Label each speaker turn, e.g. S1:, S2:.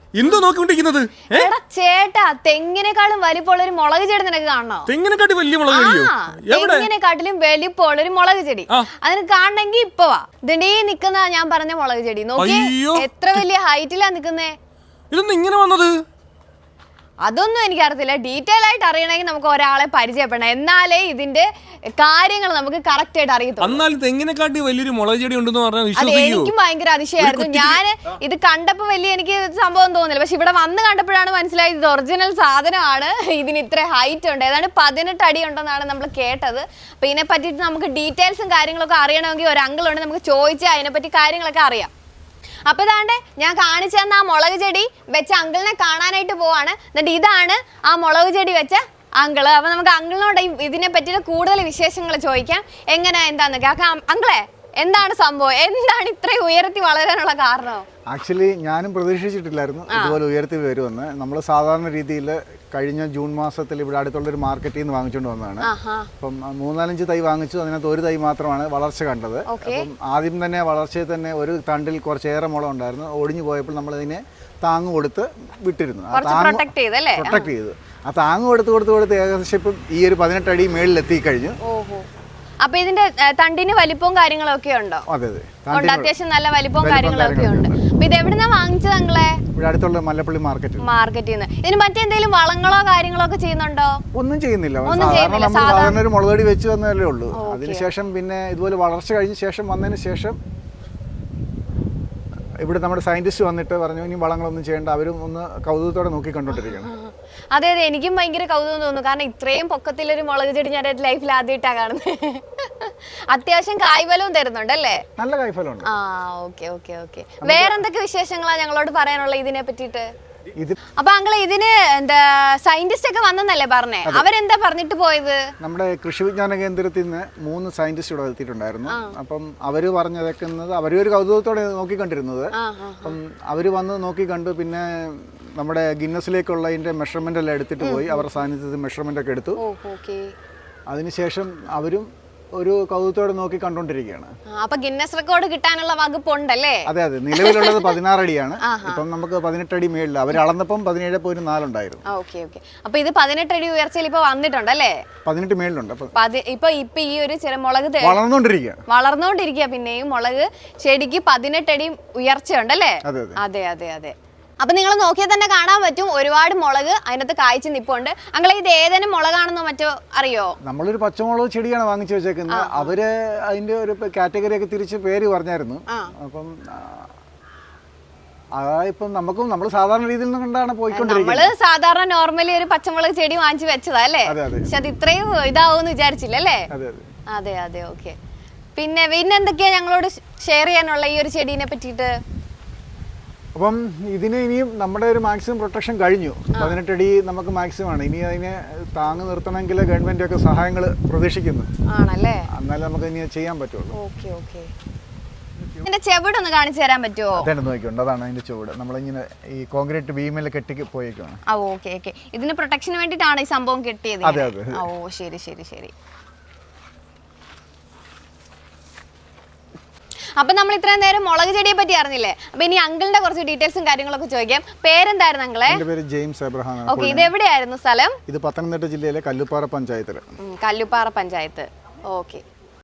S1: എന്തോ നോക്കിക്കൊണ്ടിരിക്കുന്നത്?
S2: ചേട്ടാ, തെങ്ങിനെക്കാളും വലിപ്പമുള്ള ഒരു മുളക് ചെടി നിനക്ക് കാണണോ?
S1: തെങ്ങിനെക്കാട്ടി വലിയ മുളക് ചെടിയോ?
S2: തെങ്ങിനെക്കാട്ടിലും വലിപ്പമുള്ള ഒരു മുളക് ചെടി അതിന് കാണണമെങ്കിൽ ഇപ്പൊ വാ. ഇതിന്റെ നിക്കുന്ന ഞാൻ പറഞ്ഞ മുളക് ചെടി നോക്കി, എത്ര വലിയ ഹൈറ്റിലാ നിക്കുന്നേ.
S1: ഇതൊന്നും ഇങ്ങനെ വന്നത്?
S2: അതൊന്നും എനിക്കറിയത്തില്ല. ഡീറ്റെയിൽ ആയിട്ട് അറിയണമെങ്കിൽ നമുക്ക് ഒരാളെ പരിചയപ്പെടണം, എന്നാലേ ഇതിന്റെ കാര്യങ്ങൾ നമുക്ക് കറക്റ്റ് ആയിട്ട് അറിയത്തുള്ളൂ.
S1: എന്നാൽ തെങ്ങിനെക്കാട്ടി വലിയൊരു മുളക് ചെടി ഉണ്ടെന്ന് പറഞ്ഞാൽ
S2: അത് എനിക്കും ഭയങ്കര അതിശയമായിരുന്നു. ഞാൻ ഇത് കണ്ടപ്പോ വലിയ എനിക്ക് സംഭവം തോന്നില്ല, പക്ഷെ ഇവിടെ വന്ന് കണ്ടപ്പോഴാണ് മനസ്സിലായത് ഇത് ഒറിജിനൽ സാധനമാണ്. ഇതിന് ഇത്ര ഹൈറ്റ് ഉണ്ട്, ഏതാണ്ട് 18 അടി ഉണ്ടെന്നാണ് നമ്മൾ കേട്ടത്. അപ്പൊ ഇതിനെ പറ്റിയിട്ട് നമുക്ക് ഡീറ്റെയിൽസും കാര്യങ്ങളൊക്കെ അറിയണമെങ്കിൽ ഒരു അങ്കിൾ ഉണ്ട്, നമുക്ക് ചോദിച്ചാൽ അതിനെപ്പറ്റി കാര്യങ്ങളൊക്കെ അറിയാം. അപ്പൊ ഇതാണ്ട് ഞാൻ കാണിച്ചു തന്ന ആ മുളക് ചെടി വെച്ച അങ്കിളിനെ കാണാനായിട്ട് പോവാണ്. എന്നിട്ട് ഇതാണ് ആ മുളക് ചെടി വെച്ച അങ്കിള്. അപ്പൊ നമുക്ക് അങ്കിളിനോട് ഇതിനെ പറ്റിയിട്ട് കൂടുതൽ വിശേഷങ്ങൾ ചോദിക്കാം, എങ്ങനെ എന്താന്നൊക്കെ. അങ്കിളെ, എന്താണ് സംഭവം? എന്താണ് ഇത്രയും ഉയർത്തി വളരാനുള്ള കാരണം?
S3: ആക്ച്വലി ഞാനും പ്രതീക്ഷിച്ചിട്ടില്ലായിരുന്നു ഇതുപോലെ ഉയർത്തി വരുമെന്ന്. നമ്മൾ സാധാരണ രീതിയിൽ കഴിഞ്ഞ ജൂൺ മാസത്തിൽ ഇവിടെ അടുത്തുള്ളൊരു മാർക്കറ്റിൽ നിന്ന് വാങ്ങിച്ചുകൊണ്ട് വന്നതാണ്. അപ്പം 3-4 തൈ വാങ്ങിച്ചു, അതിനകത്ത് ഒരു തൈ മാത്രമാണ് വളർച്ച കണ്ടത്. അപ്പം ആദ്യം തന്നെ വളർച്ചയിൽ തന്നെ ഒരു തണ്ടിൽ കുറച്ചേറെ മുള ഉണ്ടായിരുന്നു. ഒടിഞ്ഞു പോയപ്പോൾ നമ്മളതിനെ താങ്ങ് കൊടുത്ത് വിട്ടിരുന്നു. പ്രൊട്ടക്ട് ചെയ്തു. ആ താങ്ങ് കൊടുത്ത് ഏകദേശം ഇപ്പം ഈ ഒരു 18 അടി മേളിലെത്തി കഴിഞ്ഞു.
S2: അപ്പൊ ഇതിന്റെ തണ്ടിന് വലിപ്പവും കാര്യങ്ങളൊക്കെ ഉണ്ടോ?
S3: അതെ അതെ,
S2: അത്യാവശ്യം നല്ല വലിപ്പവും കാര്യങ്ങളൊക്കെ ഉണ്ട്. അപ്പൊ ഇത് എവിടുന്നാ വാങ്ങിച്ചത് അങ്ങളെ?
S3: ഇവിടെ അടുത്തുള്ള മല്ലപ്പള്ളി മാർക്കറ്റിൽ
S2: നിന്ന്. ഇതിന് മറ്റെന്തെങ്കിലും വളങ്ങളോ കാര്യങ്ങളോ ഒക്കെ ചെയ്യുന്നുണ്ടോ?
S3: ഒന്നും ചെയ്യുന്നില്ല. സാധാരണ ഒരു മുളകടി വെച്ച് വന്നതല്ലേ ഉള്ളൂ. അതിനുശേഷം പിന്നെ ഇതുപോലെ വളർച്ച കഴിഞ്ഞ ശേഷം വന്നതിന് ശേഷം ഇവിടെ നമ്മുടെ സയന്റിസ്റ്റ് വന്നിട്ട് പറഞ്ഞു ഇനി വളങ്ങളൊന്നും ചെയ്യേണ്ട. അവരും ഒന്ന് കൗതുകത്തോടെ നോക്കി കണ്ടോണ്ടിരിക്കണം.
S2: അതെ അതെ, എനിക്കും ഭയങ്കര കൗതുകം തോന്നുന്നു. കാരണം ഇത്രയും പൊക്കത്തിലൊരു മുളക് ചെടി ഞാൻ ലൈഫിൽ ആദ്യമായിട്ടാണ് കാണുന്നത്. അത്യാവശ്യം കായ്ഫലവും തരുന്നുണ്ടല്ലേ?
S3: നല്ല കായ്ഫലമുണ്ട്.
S2: Okay okay okay. വേറെന്തൊക്കെ വിശേഷങ്ങളാ ഞങ്ങളോട് പറയാനുള്ള ഇതിനെ പറ്റിയിട്ട്? അപ്പൊ അങ്കിള് ഇതിന് എന്താ സയന്റിസ്റ്റ് ഒക്കെ വന്നെന്നല്ലേ പറഞ്ഞേ? അവരെന്താ പറഞ്ഞിട്ട് പോയത്?
S3: നമ്മുടെ കൃഷി വിജ്ഞാന കേന്ദ്രത്തിൽ നിന്ന് 3 സയന്റിസ്റ്റ് ഇവിടെ എത്തിയിട്ടുണ്ടായിരുന്നു. അപ്പം അവര് പറഞ്ഞതൊക്കുന്നത് അവരൊരു കൗതുകത്തോടെ നോക്കിക്കണ്ടിരുന്നത്. അപ്പം അവര് വന്ന് നോക്കി കണ്ടു. പിന്നെ നമ്മുടെ ഗിന്നസിലേക്കുള്ള അതിന്റെ മെഷർമെന്റ് എല്ലാം എടുത്തിട്ട് പോയി. അവരുടെ സാന്നിധ്യത്തിൽ മെഷർമെന്റ് ഒക്കെ എടുത്തു. അതിനുശേഷം അവരും ഒരു കൗതുകത്തോടെ നോക്കി കണ്ടോണ്ടിരിക്കുകയാണ്.
S2: അപ്പൊ ഗിന്നസ് റെക്കോർഡ് കിട്ടാനുള്ള വകുപ്പുണ്ടല്ലേ?
S3: അതെ അതെ, നിലവിലുള്ളത് 16 അടിയാണ്. ഇപ്പം നമുക്ക് 18 അടി മേളിൽ. അവർ അളന്നപ്പം 17.4 ഉണ്ടായിരുന്നു.
S2: അപ്പൊ ഇത് 18 അടി ഉയർച്ചയിൽ ഇപ്പൊ വന്നിട്ടുണ്ടല്ലേ? 18
S3: മേളിലുണ്ട്.
S2: ഇപ്പൊ ഈ ഒരു മുളക് വളർന്നോണ്ടിരിക്കുക. പിന്നെയും മുളക് ചെടിക്ക് 18 അടി ഉയർച്ച ഉണ്ടല്ലേ? അതെ അതെ അതെ. അപ്പൊ നിങ്ങൾ നോക്കിയാൽ തന്നെ കാണാൻ പറ്റും ഒരുപാട് മുളക് അതിനകത്ത് കായ്ച്ചു നിപ്പുണ്ട്. അങ്ങളെ ഇത് ഏതെങ്കിലും മുളകാണെന്നോ മറ്റോ അറിയോ?
S3: നമ്മളൊരു പച്ചമുളക് ചെടിയാണ് വാങ്ങിച്ചു വെച്ചേക്കുന്നത്. അവര് അതിന്റെ ഒരു കാറ്റഗറി ഒക്കെ തിരിച്ച് പേര് പറഞ്ഞായിരുന്നു. അപ്പം ഇപ്പം നമ്മൾ സാധാരണ രീതിയിൽ കണ്ടാണ് പോയിക്കൊണ്ടിരിക്കുന്നത്.
S2: നമ്മള് സാധാരണ നോർമലി ഒരു പച്ചമുളക് ചെടി വാങ്ങിച്ചു വെച്ചതാ അല്ലേ? പക്ഷെ അത് ഇത്രയും ഇതാവൂന്ന് വിചാരിച്ചില്ലല്ലേ? അതെ അതെ ഓക്കെ. പിന്നെ എന്തൊക്കെയാ ഞങ്ങളോട് ഷെയർ ചെയ്യാനുള്ള ഈ ഒരു ചെടീനെ പറ്റിയിട്ട്?
S3: അപ്പം ഇതിന് ഇനിയും നമ്മുടെ ഒരു മാക്സിമം പ്രൊട്ടക്ഷൻ കഴിഞ്ഞു. 18 അടി നമുക്ക് മാക്സിമം ആണ്. ഇനി അതിനെ താങ്ങ് നിർത്തണമെങ്കിൽ ഗവൺമെന്റ് ഒക്കെ സഹായങ്ങൾ പ്രതീക്ഷിക്കുന്നു. എന്നാലും നമുക്ക് ഇനി ചെയ്യാൻ പറ്റുള്ളൂ.
S2: ചെവിടൊന്ന് കാണിച്ചു തരാൻ പറ്റുമോ?
S3: അതാണ് നോക്കിയുണ്ട്, അതാണ് അതിന്റെ ചുവട്. നമ്മളിങ്ങനെ ഈ കോൺക്രീറ്റ് ബീമിൽ കെട്ടി പോയേക്കാണ്.
S2: ഇതിന് പ്രൊട്ടക്ഷന് വേണ്ടിയിട്ടാണ് ഈ സംഭവം കെട്ടിയത്?
S3: അതെ അതെ.
S2: ശരി ശരി ശരി. അപ്പൊ നമ്മൾ ഇത്രയും നേരം മുളക് ചെടിയെ പറ്റി അറിഞ്ഞില്ലേ? അപ്പൊ ഇനി അങ്കിളിന്റെ കുറച്ച് ഡീറ്റെയിൽസും കാര്യങ്ങളൊക്കെ ചോദിക്കാം. പേരെന്തായിരുന്നു അങ്കിളെ?
S3: എന്റെ പേര് ജെയിംസ് എബ്രഹാം.
S2: ഓക്കെ, ഇത് എവിടെയായിരുന്നു സ്ഥലം?
S3: ഇത് പത്തനംതിട്ട ജില്ലയിലെ കല്ലുപ്പാറ പഞ്ചായത്തില്.
S2: കല്ലുപ്പാറ പഞ്ചായത്ത്. ഓക്കെ.